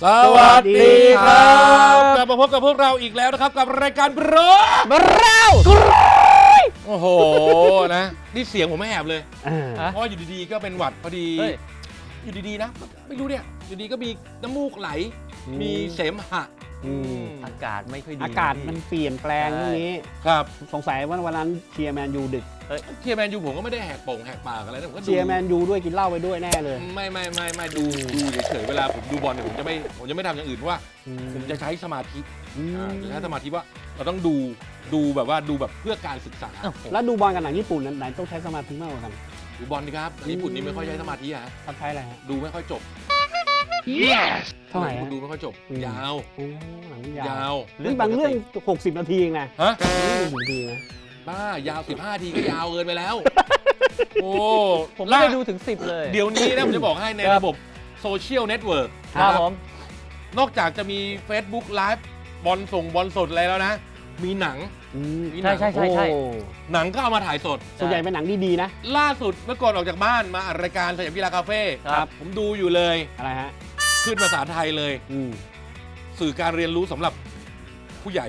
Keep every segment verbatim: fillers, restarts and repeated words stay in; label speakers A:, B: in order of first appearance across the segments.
A: สวัสดีครับกลับมาพบกับพวกเราอีกแล้วนะครับกับรายการบรอบราวโอ้โหนะนี่เสียงผมไม่แหบเลยเพราะอยู่ดีๆก็เป็นหวัดพอดีอยู่ดีๆนะไม่รู้เนี่ยอยู่ดีก็มีน้ำมูกไหลมีเสมหะ
B: อากาศไม่ค่อยดี
C: อากาศมันเปลี่ยนแปลงอย่างนี้
A: ครับ
C: สงสัยว่าวันนั้นเชียร์แมนยูดึก
A: เชียร์แมนยูผมก็ไม่ได้แหกโป่งแหกปากอะไรนะผมก็
C: เชียร์แมนยูด้วยกินเหล้าไปด้วยแน่เลย
A: ไม่ไม่ไม่ไม่ดูดูเฉยๆเวลาผมดูบอลเนี่ยผมจะไม่ผมจะไม่ทำอย่างอื่นเพราะว่าผมจะใช้สมาธิจะใช้สมาธิว่าเราต้องดูดูแบบว่าดูแบบเพื่อการศึกษา
C: แล้วดูบอลกับหนังญี่ปุ่นนั้นไหนต้องใช้สมาธิมากกว่ากัน
A: ดูบอลดีครับญี่ปุ่นนี่ไม่ค่อยใช้สมาธิฮะ
C: ใช้อะไรฮะ
A: ดูไม่ค่อยจบ
C: เท่าไหร่
A: ดูไม่ค่อยจบยาว
C: ยาวเรื่องบางเรื่องหกสิบนาทีเองนะ
A: ฮะ
C: หนึ่งนาทีนะ
A: บ้ายาวสิบห้านาทีก็ยาวเกินไปแล้วโอ้
B: ผมไม่ได้ดูถึงสิบเลย
A: เดี๋ยวนี้นะผมจะบอกให้ในระบบโซเชียลเน็ตเวิร์ก
B: ครับผม
A: นอกจากจะมี Facebook Live บอลส่งบอลสดอะไรแล้วนะมีหนัง
B: ใช่ใช่ใช่ใช่
A: หนังก็เอามาถ่ายสด
C: ส่วนใหญ่เป็นหนังดีๆนะ
A: ล่าสุดเมื่อก่อนออกจากบ้านมาอัดรายการสยามกีฬาคาเฟ่
C: ครับ
A: ผมดูอยู่เลย
C: อะไรฮะ
A: ขึ้นภาษาไทยเลยสื่อการเรียนรู้สำหรับผู้ใหญ่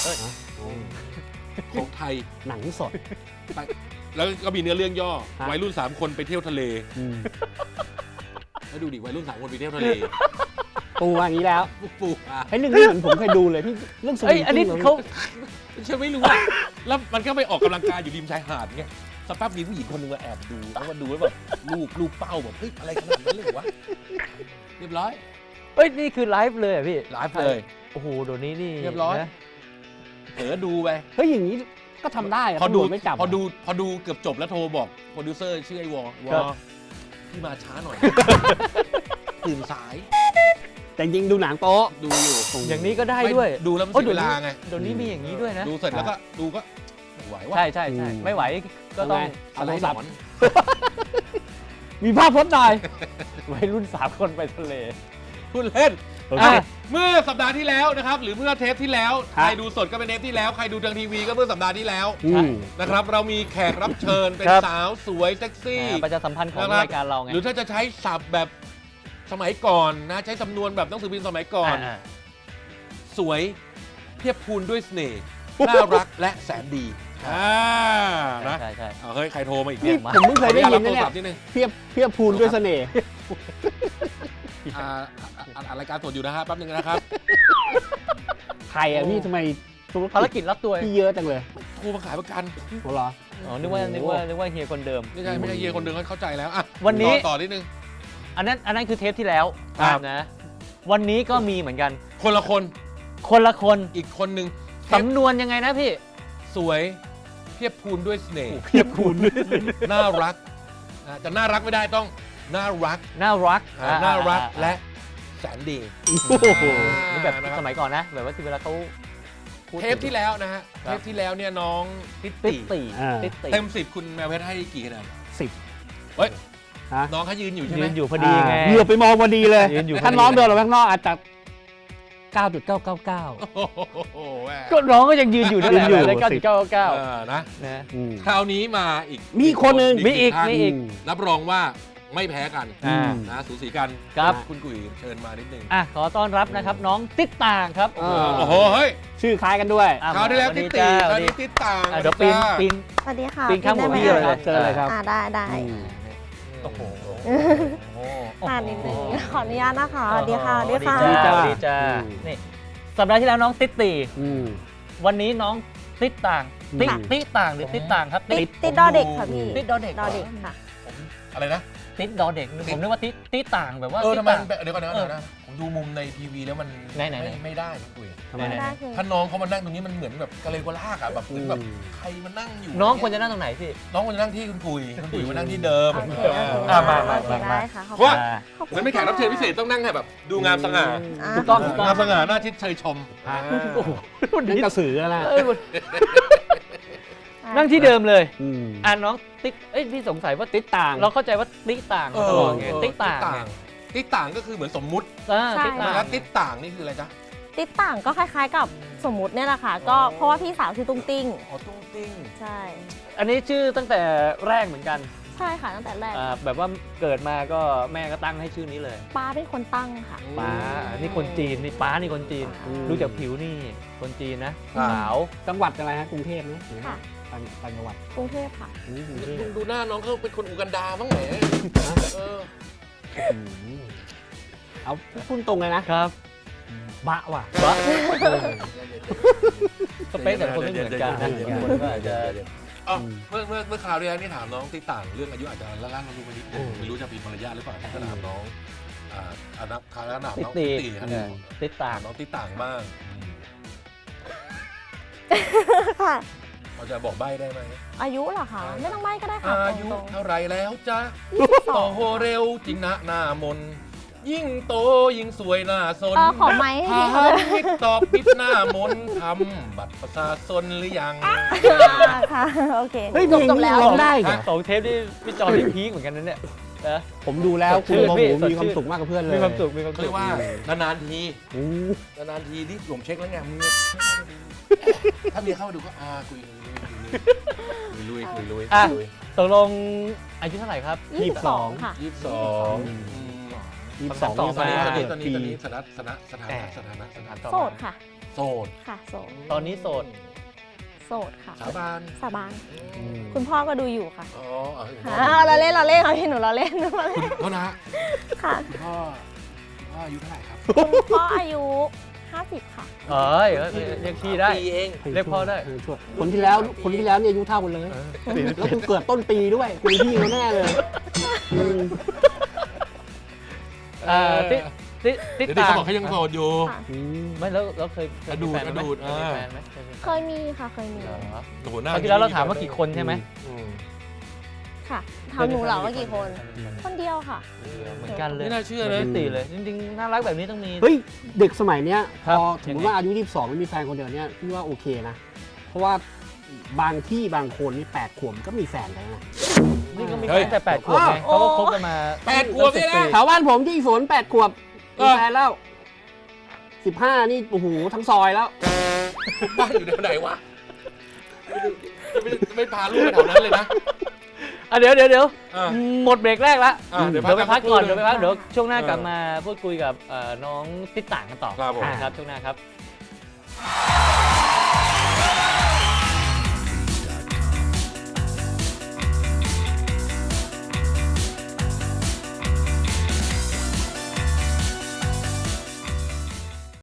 A: ของไทย
C: หนังสด
A: แล้วก็มีเนื้อเรื่องย่อวัยรุ่นสามคนไปเที่ยวทะเลแล้วดูดิวัยรุ่นสามคนไปเที่ยวทะเล
C: ปูอย่างนี้แล้ว
A: ปู
C: ไอ้เรื่องนี้เหมือนผมเคยดูเลยที่เรื่องสวิงกิ้ง
B: อันนี้เขา
A: ฉันไม่รู้อะแล้วมันก็ไปออกกำลังกายอยู่ริมชายหาดเงี้ยสักแป๊บมีผู้หญิงคนนึงมาแอบดูแล้วมาดูแล้วแบบลูกลูกเป้าแบบเฮ้ยอะไรขนาดนั้นเลยวะเรียบร้อย
B: เฮ้ยนี่คือไลฟ์เลยอ่ะพี่
A: ไลฟ์เลย
B: โอ้โหเดี๋ยวนี้นี่
A: เรียบร้อยเผลอดูไป
C: เฮ้ยอย่างนี้ก็ทำได้
A: พอดูไม่จับพอดูพอดูเกือบจบแล้วโทรบอกโปรดิวเซอร์ชื่อไอ้วอวอพี่มาช้าหน่อยตื่นสาย
C: แต่จริงดูหนังโป๊ะ
A: ดูอยู่
B: อย่างนี้ก็ได้ด้วย
A: ดูแล้วมันเสียเวลาไง
B: เดี๋ยวนี้มีอย่างนี้ด้วยนะ
A: ดูเสร็จแล้วก็ดูก็ไหวว่า
B: ใช่ใช่ใช่ไม่ไหวก็ต้อง
A: เอาโทรศัพท์
C: มีภาพพจน์หน่อย
B: วัยรุ่นสามคนไปทะเล
A: พูดเล่นเมื่อสัปดาห์ที่แล้วนะครับหรือเมื่อเทปที่แล้วใครดูสดก็เป็นเทปที่แล้วใครดูทางทีวีก็เมื่อสัปดาห์ที่แล้วนะครับเรามีแขกรับเชิญเป็นสาวสวยเซ็กซี่
B: ประชาสัมพันธ์ของรายการเราไง
A: หรือถ้าจะใช้ศัพท์แบบสมัยก่อนนะใช้จำนวนแบบหนังสือพิมพ์สมัยก่อนสวยเทียบพูนด้วยเสน่ห์น่ารักและแสนดีอ่านะ
B: ใช่ใช่
A: เฮ้ยใครโทรมาอีกเนี่ย
C: ผมเพิ่งเคยได้ยินนะเนี่ยเทียบเทียบพูนด้วยเสน่ห์
A: อ่ารายการสดอยู่นะฮะแป๊บนึงนะครับ
C: ใครอ่ะพี่ทำไม
B: ภารกิจรับตัว
C: พี่เยอะจังเลย
A: โทรมาขายประกัน
C: โอ้เหรอ
B: อ๋อนึกว่านึกว่านึกว่าเฮียคนเดิม
A: ไม่ใช่ไม่ใช่เฮียคนเดิมเข้าใจแล้วอ่ะ
B: วันนี้
A: ต่อนิดนึง
B: อันนั้นอันนั้นคือเทปที่แล้วนะวันนี้ก็มีเหมือนกัน
A: คนละคน
B: คนละคน
A: อีกคนนึง
B: สำนวนยังไงนะพี่
A: สวยเทียบพูนด้วยเสน่ห์
C: เทียบพูนด้วย
A: น่ารักจะน่ารักไม่ได้ต้องน่ารัก
B: น่ารัก
A: น่ารักและแสนดี
B: นี่แบบสมัยก่อนนะแบบว่าที่เวลาเขา
A: เทปที่แล้วนะฮะเทปที่แล้วเนี่ยน้องติ๊ตตี้เต็มสิบคุณแมวเพชรให้กี่คะแนน
C: สิบ
A: เฮ้ยน้องเขายืนอยู่ใช่ไหม
B: ยืนอยู่พอดีไง
C: เหลือไปมองพอดีเลยถ้าน้องเดินออกไปข้างนอกอาจจะเก้าจุดเก้าเก้าเก้า
B: ก็น้องก็ยังยืนอยู่นั่นแหละเก้าจุดเก้าเก้า
A: นะคราวนี้มาอีก
C: มีคนหนึ่ง
B: มีอีกมีอีก
A: รับรองว่าไม่แพ้กันนะสูสีกัน
B: ครับ
A: คุณกุ๋ยเชิญมานิดนึง
B: อ่ะขอต้อนรับนะครับน้องติ๊ดต่างครับ
A: โอ้โหเฮ้ย
C: ชื่อคล้ายกันด้วย
A: คราวที่แล้วติ๊ดตีคราวนี้ติ๊ดต่าง
B: เดี๋ยวปีนปีน
D: สวัสดีค่ะ
B: ปีนข้ามหัวพี่เลย
C: เจอเลยครับ
D: อ่าได้ได้
A: โอ้โห
D: อ่านิดนึงขออนุญาตนะคะสวัสดีค่ะสวัสดีค่ะ
B: ดีจ้าดีจ้านี่สัปดาห์ที่แล้วน้องติ๊ดตีวันนี้น้องติ๊ดต่างติ๊ดติ๊ดต่างหรือติ๊ดต่างครับ
D: ติ๊ดติ๊ดดอเด็กค่ะพี่
B: ติ๊ดดอเด็ก
D: ดอเด็กค่ะ
A: อะไรนะ
B: ติ๊ดดอเด็กผมนึกว่าติ๊ดติ๊ดต่างแบบว่า
A: เออทำไมเดี๋ยวก่อนนะนะผมดูมุมในทีวีแล้วมันไม่ไม่ได้คุย
C: ทำไม
A: ถ้าน้องเขามานั่งตรงนี้มันเหมือนแบบกะเลกะลากอ่ะแบบเหมือนแบบใครมานั่งอยู่
B: น้องควรจะนั่งตรงไหนพี่
A: น้องควรจะนั่งที่คุณคุยคุณคุยมานั่งที่เดิม
D: อ่า
A: มามามามาเพราะว่าเหมือนไม่แขกรับเชิญพิเศษต้องนั่งแบบดูงามสง่า
B: ถูกต้อง
A: งามสง่าหน้าชิดเชยชม
C: โอ้โหนั่งกระสือแล้วนะ
B: นั่งที่เดิมเลยอ่าน้องติ๊กเอ้ยพี่สงสัยว่าติ๊กต่างเราเข้าใจว่าติ๊กต่างตลอดไงติ๊กต่าง
A: ติ๊กต่างก็คือเหมือนสมมุติ
B: ติ๊กต่าง
A: แล้วติ๊กต่างนี่คืออะไรจ๊ะ
D: ติ๊กต่างก็คล้ายๆกับสมมุติเนี่ยแหละค่ะก็เพราะว่าพี่สาวชื่อตุ้งติ้ง
A: อ๋อตุ้งติ้ง
D: ใช่
B: อันนี้ชื่อตั้งแต่แรกเหมือนกัน
D: ใช่ค่ะตั้งแต่แรก
B: อ่าแบบว่าเกิดมาก็แม่ก็ตั้งให้ชื่อนี้เลย
D: ป้าเป็นคนตั้งค่ะ
B: ป้านี่คนจีนนี่ป้านี่คนจีน
D: อืม
B: ดูจากผิวนี่คนจีนนะ
A: ครับ
B: ขาว
C: จังหวัดอะไรฮะกรุงเทพไหมหรือว่า
D: ค่ะ
C: ต่างต่างจังหวัด
D: กรุงเทพค่ะ
C: อืมกรุงเทพ
A: ดูดูหน้าน้องเขาเป็นคนอูกันดาบ้างไหนเออ
C: อืมเอาพูดตรงเลยนะครับ บะว่ะ
B: บะสเปคแต่ละคนไม่เหมือนกันนะ
A: เดี๋ยวๆๆๆ
B: คนก็อาจจะ
A: อ๋อเมื่อเมื่อเมื่อคราวที่แล้วนี่ถามน้องติ๊กต่างเรื่องอายุอาจจะละล่างเราดูไปนิดนึงไม่รู้จะผิดมารยาทหรือเปล่าก็ถามน้องอ่าอันนับคราวแล้วถามน้อง
B: ติ๊
A: ติ๊
B: ก
A: ก
B: ตี
A: ตีครับ
B: ติดตา
A: ถาม มน้องติ๊กต่างบ้างอืม
D: ค่ะ
A: เราจะบอกใบ้ได้ไหม
D: อายุเหรอคะไม่ต้องใบ้ก็ได้ค่ะ
A: อายุ
D: ตรง
A: เท่าไรแล้วจ๊ะ
D: ๆยี่สิบส
A: โต
D: อง
A: โหเร็วจริงนะหน้ามน ยิ่งโตยิ่งสวยหน้าสน
D: เออขอไม้ให้พี่เขา
A: ถาม
D: ด้วย
A: วิกตอบปิดหน้ามนทำบัตรประชาชนหรือยัง
D: อ่าค่ะ โอเค
C: เฮ้ย
D: จบจบแล้ว
C: ร้องได้เหรอ
B: สองเทปที่พี่จอนี่พีคเหมือนกันนะเนี่ยนะ
C: ผมดูแล้ว
B: สดชื่
C: คุณ
B: น
C: โม
B: พี่
C: โห
B: สด
C: มีความ
B: ชื่น
C: สุขมากกับเพื่อนเลย
B: มีความสุขมีความ
A: เขา
B: สุ
A: เรีย
B: ข
A: กว่านานๆที
C: โอ้
A: นานๆทีที่ผมเช็คแล้วไงมึงถ้าเมียเข้ามาดูก็อ่าคุยคุยลุยคุยลุย
B: อ่ะ
A: คุย
B: ตกลงอายุเท่าไหร่ครับ
D: ยี่สิบสองค่ะ
A: ยี่สิบสอง
C: ยี่สิบสอง
B: ต่อ
A: ตอน
B: มา
A: นี้ตอนนี้
C: เกิด
A: ตอนนี้
C: ปี
A: ตอนนี้สถานะสถานะสถานะสถานะสถานะ
D: โสดค่ะ
A: โสด
D: ค่ะโสด
B: ตอนนี้โสด
D: โสดค่ะ
A: สาบาน
D: สาบาน
C: อืม
D: คุณพ่อก็ดูอยู่ค่ะ
A: อ๋อเออ
D: อ่าเราเล่นเราเล่นค่ะพี่หนูเราเล่นเรา
A: คุ
D: เล่น
A: ณโทษนะ
D: ค่ะ
A: คุณพ่อคุณพ่ออายุเท่าไหร่ครับ
D: คุณพ่ออายุห้าสิบค่ะ
B: เอ้ยเรียกพี่ได้
A: ปีเอง
B: เรียกพ่อได้
C: เช่วยคนที่แล้วคนที่แล้วเนี่ยอายุเท่ากันเลย แล้วคุณเกิดต้นปีด้วยคุณพี่เขาแน่เลยอืม
B: อ่าติดติดติด
A: เดี๋ยวนี้
B: ตา
A: เขาบอกเขายังโสดอยู่
D: ค่ะ
C: อืม
B: ไม่แล้วเราเคยเคยมีแฟนไหม
A: อดูด
B: เคยมี
A: อ่า
B: แฟนไหมเคยมี
D: เคยมีค่ะเคยมี
B: เหรอ
A: โอ้โหห
B: ค
A: น้า
B: ราวที่แล้วเราถามว่ากี่คนใช่ไหม
A: อืม
D: ค่ะถามหนูเหรอว่ากี่คน คนเดียวค่ะ
B: เหมือนกันเลย
A: ไม่น่าเชื่อ
B: เหมื
A: นะ
B: อนติเลย จริงๆน่ารักแบบนี้ต้องมี
C: เฮ้ยเด็กสมัยเนี้ยพ
B: ครับ
C: อสมม
B: ยัง
C: ติ
B: ไง
C: ว่าอายุยี่สิบสองไม่มีแฟนคนเดียวเนี่ยพี่ว่าโอเคนะ เพราะว่าบางที่บางคนนี่แปดขวบก็มีแฟนแล้วนะ
B: นี่ก็มี
A: เฮ้ย
B: แค่แต่แปดขวบไง
D: โอ้
B: เขาก็คบกันมา
A: แปดขวบเนี่ยนะ
B: ตั้งสิปี
C: แถวบ้านผมที่ฝนแปดขวบ
A: เอ
C: มี
A: อ
C: แฟนแล้วสิบห้านี่โอ้โหทั้งซอยแล้ว
A: บ้านอยู่แถวไหนวะไม่ได้ไม่พาลูกไปแถวนั้นเลยนะ
B: อ่ะเดี๋ยวเดี๋ยวเดี๋ยว
A: อ่ะ
B: หมดเบรกแรกละ
A: อ่ะเดี๋
B: เดี๋
A: ย
B: ยว ว
A: พั
B: ไป
A: ก
B: พักก่อน
A: สักครู่
B: เดี๋ยวไปพัก
A: หนึ่ง
B: เดี๋ยวช่วงหน้า
A: เออ
B: กลับมาพูดคุยกับเอ่อน้องติ๊กต่างกันต่อ
A: ครับผม
B: นะครับช่วงหน้าครับ